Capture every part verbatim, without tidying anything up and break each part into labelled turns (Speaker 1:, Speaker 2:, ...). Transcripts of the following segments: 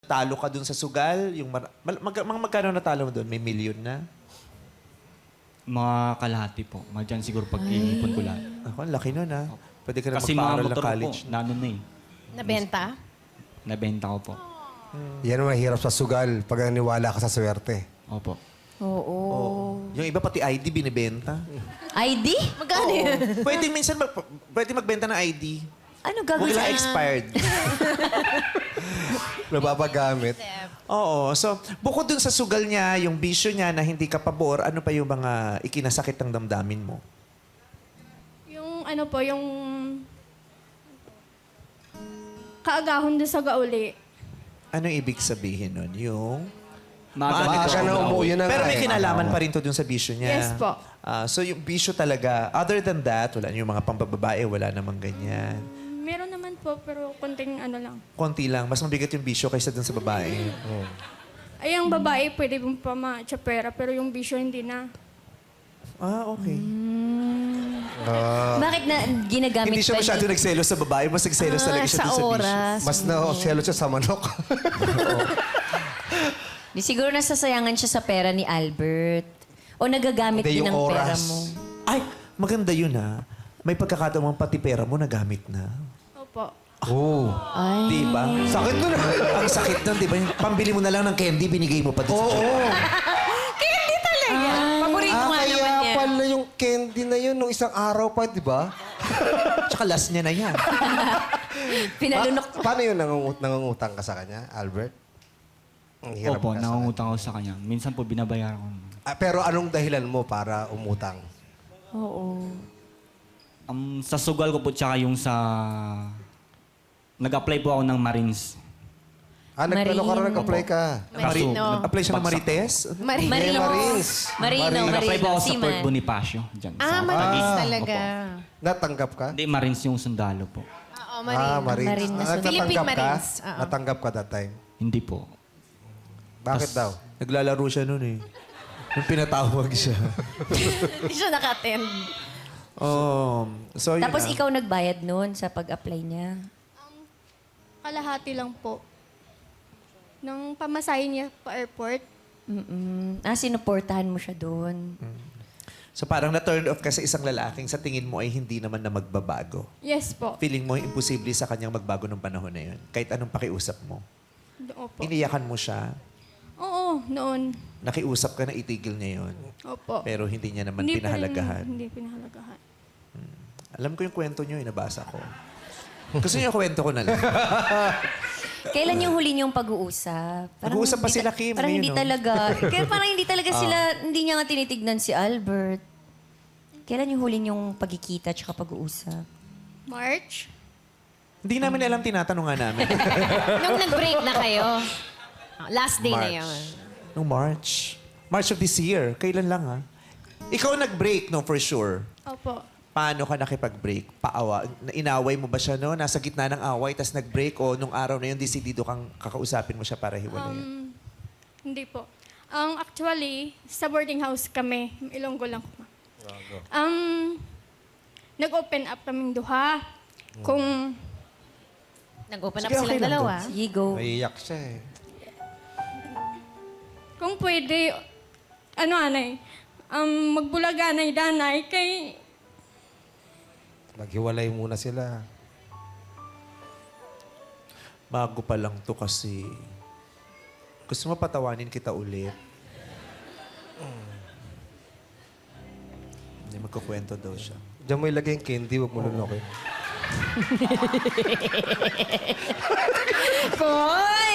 Speaker 1: talo ka dun sa sugal? Yung mar- mag- mag- mga magkano natalo mo dun? May million na?
Speaker 2: Mga kalahati po. Mga dyan siguro pag inipon ko lahat.
Speaker 1: Ako, ang laki nun ha. Pwede ka na
Speaker 2: Kasi mga
Speaker 1: magpaaral ng
Speaker 2: motor
Speaker 1: college.
Speaker 2: po, nanon na eh.
Speaker 3: Nabenta?
Speaker 2: Nabenta ko po.
Speaker 4: Yan ang mahirap sa sugal pag naniwala ka sa swerte.
Speaker 2: Opo.
Speaker 3: Oo.
Speaker 1: Yung iba pati I D binibenta.
Speaker 3: I D? Magkano yun?
Speaker 1: Pwede minsan mag- pwede magbenta ng I D.
Speaker 3: Ano
Speaker 1: Huwag
Speaker 3: gagawin
Speaker 1: lang
Speaker 3: sa...
Speaker 1: expired.
Speaker 4: Nababagamit.
Speaker 1: Oo. So, bukod dun sa sugal niya, yung bisyo niya na hindi ka pabor, ano pa yung mga ikinasakit ng damdamin mo?
Speaker 5: Yung ano po, yung kaagahon doon sa gauli.
Speaker 1: Ano ibig sabihin nun? Yung...
Speaker 2: Maaga
Speaker 4: Maaga
Speaker 2: nito
Speaker 4: na
Speaker 2: ako
Speaker 4: umuwi
Speaker 2: nauwi.
Speaker 4: na
Speaker 1: Pero
Speaker 4: nga
Speaker 1: may
Speaker 4: eh.
Speaker 1: kinalaman pa rin to dun sa bisyo niya.
Speaker 5: Yes po.
Speaker 1: Ah, so yung bisyo talaga, other than that, wala yung mga pambababae, wala namang ganyan.
Speaker 5: Meron naman po, pero konting ano lang.
Speaker 1: Konti lang, mas mabigat yung bisyo kaysa dun sa babae.
Speaker 5: Ay, ang babae pwede pong pama-tsapera, pero yung bisyo hindi na.
Speaker 1: Ah, okay.
Speaker 3: Bakit na ginagamit
Speaker 1: Hindi siya
Speaker 3: pa
Speaker 1: masyado
Speaker 3: ni-
Speaker 1: nagselos sa babae, mas nagselos
Speaker 3: Ah,
Speaker 1: talaga siya
Speaker 3: sa
Speaker 1: dun sa bisyo.
Speaker 3: oras.
Speaker 4: Mas na selo siya sa manok.
Speaker 3: Di siguro nasasayangan siya sa pera ni Albert. O nagagamit
Speaker 4: Hindi,
Speaker 3: din
Speaker 4: yung
Speaker 3: ng pera
Speaker 4: oras.
Speaker 3: mo.
Speaker 1: Ay, maganda yun ha. May pagkakataon pati pera mo nagamit na.
Speaker 5: Opo.
Speaker 4: Oo.
Speaker 3: Ay.
Speaker 1: Di ba?
Speaker 4: Sakit nun ah.
Speaker 1: Ang sakit nun, di ba? Yung Pambili mo na lang ng candy, binigay mo pa dun
Speaker 4: Oo.
Speaker 1: sa
Speaker 3: Candy talaga. Paborito
Speaker 4: Ah,
Speaker 3: nga
Speaker 4: kaya
Speaker 3: naman niya.
Speaker 4: pala yung candy na yun nung isang araw pa, di ba?
Speaker 1: Tsaka last niya na yan.
Speaker 3: Pinalunok.
Speaker 4: Pa- paano yun nangungut nangungutang ka sa kanya, Albert? Ang hirap
Speaker 2: Opo,
Speaker 4: ka sa
Speaker 2: nangungutang ako sa kanya. Minsan po binabayaran ko.
Speaker 4: kanya. Ah, pero anong dahilan mo para umutang?
Speaker 3: Oo.
Speaker 2: Um, sa sugal ko po tsaka yung sa... Nag-apply po ako ng Marines.
Speaker 4: Ah, nagplano ka rin,
Speaker 3: Marine.
Speaker 4: nag-apply ka.
Speaker 1: Mari-
Speaker 3: Marino.
Speaker 1: Apply siya ng Marites?
Speaker 3: Marino.
Speaker 4: Marines.
Speaker 3: Marino.
Speaker 2: Nag-apply po
Speaker 3: Marino.
Speaker 2: ako sa Fort
Speaker 3: Seaman.
Speaker 2: Bonifacio. Dyan,
Speaker 6: Ah,
Speaker 2: sa
Speaker 6: Marines
Speaker 2: Taguig.
Speaker 6: talaga.
Speaker 4: Natanggap ka?
Speaker 2: Hindi, Marines yung sundalo po.
Speaker 6: Oo,
Speaker 4: Ah,
Speaker 6: Marine.
Speaker 4: Marines.
Speaker 3: Marine na
Speaker 4: Ah,
Speaker 3: sundalo.
Speaker 6: Philippine
Speaker 4: natanggap ka?
Speaker 6: Marines. Oo.
Speaker 4: Natanggap ka that time?
Speaker 2: Hindi po.
Speaker 4: Bakit daw?
Speaker 1: Naglalaro siya nun eh. Nung pinatawag siya.
Speaker 3: Hindi siya naka-attend.
Speaker 1: Oh, so yun
Speaker 3: Tapos
Speaker 1: na.
Speaker 3: ikaw nagbayad noon sa pag-apply niya.
Speaker 5: Kalahati lang po. Nang pamasahe niya pa airport.
Speaker 3: Mm-mm. Ah, sinuportahan mo siya doon.
Speaker 1: So parang na-turn off ka sa isang lalaking sa tingin mo ay hindi naman na magbabago.
Speaker 5: Yes po.
Speaker 1: Feeling mo imposible sa kanyang magbago ng panahon na yun. Kahit anong pakiusap mo.
Speaker 5: Opo.
Speaker 1: Iniyakan mo siya.
Speaker 5: Oo, noon.
Speaker 1: Nakiusap ka na itigil niya yun.
Speaker 5: Opo.
Speaker 1: Pero hindi niya naman
Speaker 5: Hindi pa rin-
Speaker 1: pinahalagahan.
Speaker 5: Hindi pinahalagahan.
Speaker 1: Alam ko yung kwento niyo, inabasa ko. Gusto niyo yung kwento ko na lang.
Speaker 3: Kailan yung huli niyong pag-uusap?
Speaker 1: Nag-uusap pa
Speaker 3: hindi
Speaker 1: sila,
Speaker 3: ta-
Speaker 1: Kim,
Speaker 3: Parang
Speaker 1: ngayon,
Speaker 3: hindi
Speaker 1: no?
Speaker 3: talaga. Kaya parang hindi talaga sila, hindi niya nga tinitignan si Albert. Kailan yung huli niyong pagkikita at pag-uusap?
Speaker 5: March?
Speaker 1: Hindi namin alam, tinatanong nga namin.
Speaker 6: Nung nag-break na kayo, last day na
Speaker 4: March.
Speaker 6: yun.
Speaker 1: Nung March. March of this year. Kailan lang ha? Ikaw nag-break, no, for sure.
Speaker 5: Opo.
Speaker 1: Paano ka nakipag-break? Paawa? Inaway mo ba siya, no? Nasa gitna ng away, tas nag-break o nung araw na yun, desidido kang kakausapin mo siya para hiwalayan?
Speaker 5: Um, hindi po. Ang actually, sa boarding house kami. Ilonggo lang ko. Um, nag-open up kaming duha. Kung
Speaker 6: Nag-open up
Speaker 1: Sige, okay
Speaker 6: silang
Speaker 1: lang
Speaker 6: dalawa.
Speaker 3: Sige, go.
Speaker 4: Naiiyak siya eh.
Speaker 5: kung pwede, ano anay, um, magbulaganay danay kay
Speaker 4: Maghiwalay muna sila.
Speaker 1: Bago pa lang to kasi. Gusto mo patawanin kita ulit? Hindi, magkukwento daw siya.
Speaker 4: Diyan mo ilagay yung candy, huwag mo lunokin.
Speaker 3: Boy!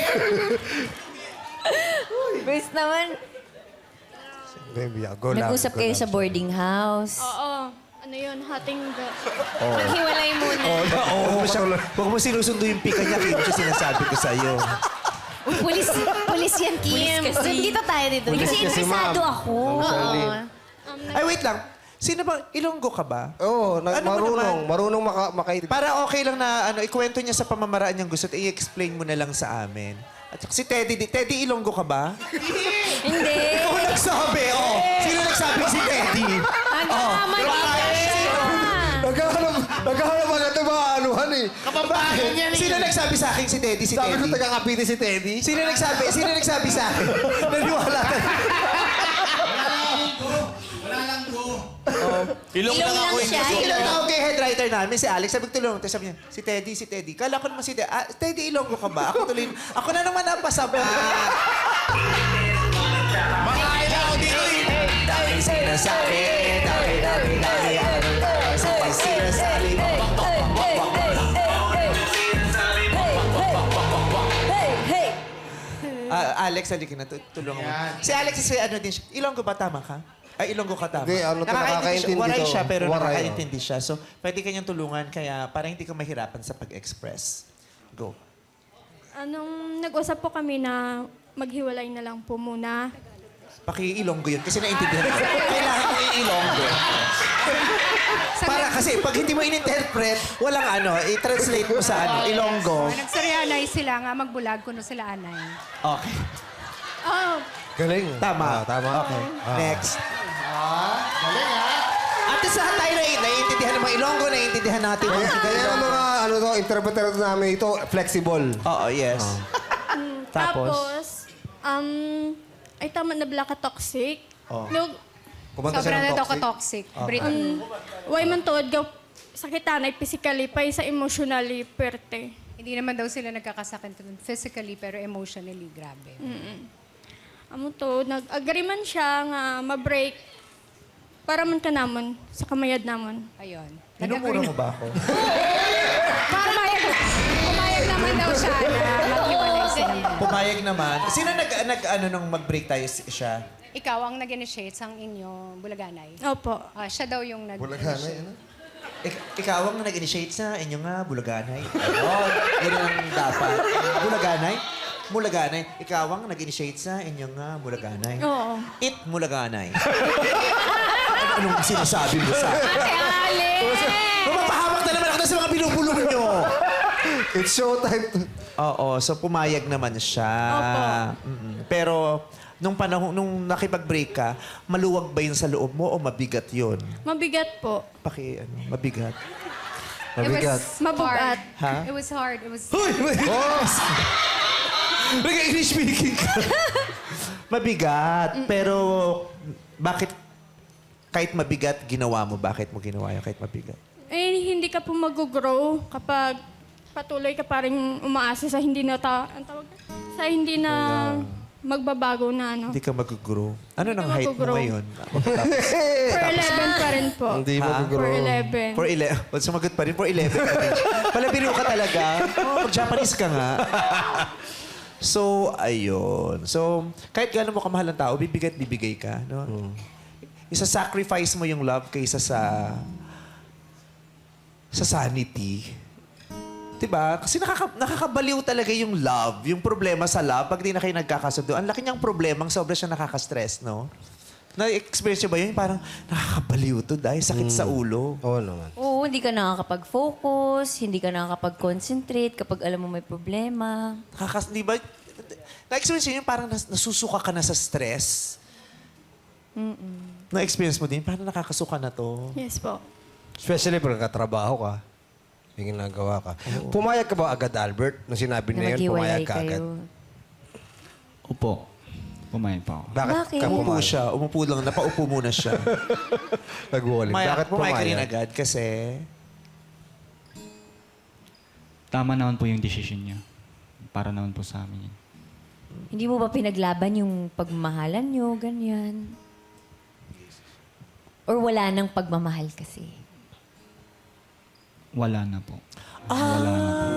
Speaker 3: Best naman.
Speaker 4: Baby, go lang.
Speaker 3: Nag-usap
Speaker 4: go
Speaker 3: kayo
Speaker 4: lang.
Speaker 3: sa boarding house.
Speaker 5: oo, ano yun, hating the...
Speaker 6: Maghiwalay muna.
Speaker 1: Huwag mo, siya, huwag mo sinusundo yung pika niya, Kim. Siya sinasabi ko sa'yo.
Speaker 6: Pulis, pulis yan, Kim.
Speaker 3: Pulis kasi.
Speaker 6: Dito tayo dito.
Speaker 3: Kasi
Speaker 4: kasi,
Speaker 3: interesado
Speaker 4: ma'am.
Speaker 3: ako.
Speaker 4: Shirley.
Speaker 1: Ay, wait lang. Sino ba? Ilonggo ka ba?
Speaker 4: Oo, na-
Speaker 1: Ano mo
Speaker 4: marunong.
Speaker 1: naman?
Speaker 4: Marunong maka makaintindi.
Speaker 1: Para okay lang na ano, ikwento niya sa pamamaraan niyang gusto at i-explain mo na lang sa amin. At saka si Teddy, di- Teddy Ilonggo ka ba?
Speaker 3: Hindi.
Speaker 1: Ikaw ang nagsabi, oh. Sino nagsabi si Teddy?
Speaker 6: Ang tama niya.
Speaker 4: Naghahanap, naghahanap agad ng maanuhan eh.
Speaker 7: Kapampangan yan eh.
Speaker 1: Sino nagsabi sa akin si Teddy, si
Speaker 4: Sabi ko
Speaker 1: Teddy?
Speaker 4: taga-Kapiti si Teddy.
Speaker 1: Sino nagsabi? Sino nagsabi sa akin? Naniwala ka.
Speaker 7: Ilong
Speaker 3: Ilong
Speaker 7: lang
Speaker 3: lang
Speaker 7: ako
Speaker 3: siya.
Speaker 7: hindi.
Speaker 1: Sige lang tawag kay head writer namin, si Alex. Sabi ko tulong. Tapos sabi niya, si Teddy, si Teddy. Kala ko naman si Teddy. Ah, Teddy, Ilonggo ka ba? Ako tuloy. Ako na naman ang pasaba.
Speaker 7: Makain ako dito eh.
Speaker 1: Dami sinasabi. Dami, dami, dami. Ano tayo sa sinasabi mo? Ah, Alex, halika na. tu- Tulungan mo. Si Alex, si ano din siya. Ilonggo ba? Tama ka? Ay, Ilonggo ka tama.
Speaker 4: Hindi, ano to, nakakaintindi
Speaker 1: siya. Waray
Speaker 4: to.
Speaker 1: siya, pero
Speaker 4: Waray,
Speaker 1: nakakaintindi siya. So, pwede kanyang tulungan kaya para hindi ka mahirapan sa pag-express. Go.
Speaker 5: Anong nag-usap po kami na maghiwalay na lang po muna.
Speaker 1: Paki-Ilonggo yun kasi naintindihan ko. Kailangan mo i-Ilonggo. Para kasi pag hindi mo in-interpret, walang ano, i-translate mo sa ano, Ilonggo.
Speaker 8: Nagsaryanay sila nga, magbulag kuno sila anay.
Speaker 1: Okay.
Speaker 5: Oh,
Speaker 4: Galing.
Speaker 1: Tama.
Speaker 4: Ah, tama.
Speaker 1: Okay.
Speaker 4: Ah.
Speaker 1: Next. At least lahat tayo na naiintindihan ng mga Ilonggo, naiintindihan natin.
Speaker 4: Kaya, kaya ang mga ano to, interpreter namin ito, flexible.
Speaker 1: Oo, yes. Tapos?
Speaker 5: tapos, um, ay tama na black toxic.
Speaker 1: Oh.
Speaker 5: Nung,
Speaker 4: Kumanta
Speaker 8: Sobra
Speaker 4: siya
Speaker 8: na
Speaker 4: ng
Speaker 8: daw ka
Speaker 4: toxic.
Speaker 8: toxic. Brit.
Speaker 5: um, way man tuod, gaw, sakitan ay physically, pa sa emotionally, perte.
Speaker 8: Hindi naman daw sila nagkakasakit dun physically pero emotionally grabe.
Speaker 5: Amo to, nag-agree man siya nga ma-break para man ka namon, sa kamayad namon.
Speaker 8: Ayun.
Speaker 1: Minumura mo ba ako?
Speaker 8: Pumayag, pumayag naman daw siya na maghiwalay sila.
Speaker 1: Pumayag naman. Sino nag, nag ano, nung mag-break tayo si- siya?
Speaker 8: Ikaw ang nag-initiate sa inyo bulaganay.
Speaker 5: Opo.
Speaker 8: Ah, siya daw yung
Speaker 4: Bulaganay,
Speaker 8: nag-initiate.
Speaker 4: ano?
Speaker 1: Ik- ikaw ang nag-initiate sa inyo nga, Bulaganay. Ayun, yun ang dapat. Bulaganay? Mulaganay. Ikaw ang nag-initiate sa inyo nga, Bulaganay.
Speaker 5: Oo.
Speaker 1: It Mulaganay. ano, anong sinasabi mo sa akin?
Speaker 8: Ate Alex!
Speaker 1: Mapapahamak na naman ako na sa mga binubulong nyo.
Speaker 4: It's showtime.
Speaker 1: Oo, so pumayag naman siya.
Speaker 5: Opo.
Speaker 1: Mm-mm. Pero nung panahon, nung nakipag-break ka, maluwag ba yun sa loob mo o mabigat yun?
Speaker 5: Mabigat po.
Speaker 1: Paki, ano, mabigat.
Speaker 4: Mabigat.
Speaker 8: It was
Speaker 5: Mabugat.
Speaker 8: hard.
Speaker 1: Ha?
Speaker 8: It was hard. It was...
Speaker 1: Nag-English speaking ka. Mabigat. Pero bakit kahit mabigat, ginawa mo? Bakit mo ginawa yun kahit mabigat?
Speaker 5: Eh, hindi ka po mag-grow kapag patuloy ka pa rin umaasa sa hindi na ta ang tawag sa hindi na magbabago na ano.
Speaker 1: Hindi ka mag-grow. Ano
Speaker 5: Hindi
Speaker 1: nang
Speaker 5: ka
Speaker 1: height mo
Speaker 5: mag-grow.
Speaker 1: ngayon?
Speaker 5: For eleven pa rin po.
Speaker 4: Hindi mo
Speaker 1: Ha?
Speaker 5: For
Speaker 4: guguro.
Speaker 5: eleven.
Speaker 1: For eleven. Well, sumagot pa rin. For eleven pa rin. Palabiro ka talaga. Oh, Japanese ka nga. So, ayun. So, kahit gano'n mo kamahal ang tao, bibigay at bibigay ka. No? Isa-sacrifice mo yung love kaysa sa sa sanity. Diba? Kasi nakaka, nakakabaliw talaga yung love. Yung problema sa love, pag di na kayo nagkakasundo, ang laki niyang problemang sobra siya nakaka-stress, no? Na-experience niyo ba yun? Parang nakakabaliw to dahil sakit sa ulo.
Speaker 4: Oo naman.
Speaker 3: Oo, hindi ka nakakapag-focus, hindi ka nakakapag-concentrate kapag alam mo may problema.
Speaker 1: Nakakas... Di ba? Na-experience yun, parang nas- nasusuka ka na sa stress. Na-experience mo din, parang nakakasuka na to.
Speaker 5: Yes po.
Speaker 4: Especially pag nagkatrabaho ka, yung ginagawa ka. Pumayag ka ba agad, Albert? Nung sinabi
Speaker 3: Na
Speaker 4: na yun,
Speaker 3: maghiwalay
Speaker 4: pumayag ka agad.
Speaker 3: kayo.
Speaker 2: Upo. Pumayag pa ako.
Speaker 4: Bakit,
Speaker 3: Bakit?
Speaker 4: ka
Speaker 1: Umupo
Speaker 4: pumayag?
Speaker 1: siya. Umupo lang. Napaupo muna siya.
Speaker 4: Nag-walling.
Speaker 1: Pumayag,
Speaker 4: Bakit
Speaker 1: pumayag ka rin
Speaker 4: pumayag?
Speaker 1: agad kasi...
Speaker 2: Tama naman po yung decision niya. Para naman po sa amin yun.
Speaker 3: Hindi mo ba pinaglaban yung pagmamahalan nyo, ganyan? Or wala nang pagmamahal kasi?
Speaker 2: Wala na po. Wala na po.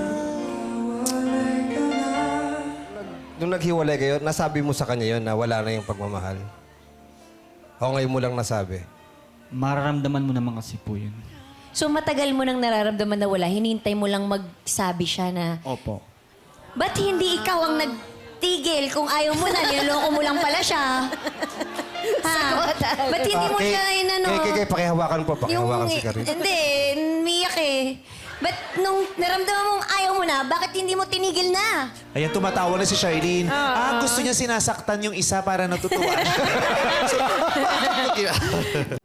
Speaker 4: Nung naghiwalay kayo, nasabi mo sa kanya yun na wala na yung pagmamahal? O ngayon mo lang nasabi?
Speaker 2: Mararamdaman mo naman kasi po yun.
Speaker 3: So matagal mo nang nararamdaman na wala, hinintay mo lang magsabi siya na,
Speaker 2: Opo.
Speaker 3: ba't hindi ikaw ang nagtigil kung ayaw mo na, niloloko mo lang pala siya? Ha? Ba't hindi mo
Speaker 4: Ah, kay-
Speaker 3: siya inano?
Speaker 4: Kay, kay, kay, pakihawakan po, pakihawakan si Karin.
Speaker 3: Hindi, umiyak eh. Ba't nung naramdaman mong ayaw mo na, bakit hindi mo tinigil na?
Speaker 1: Ayan, tumatawa na si Charlene. Ah, gusto niya sinasaktan yung isa para natutuwa siya. So,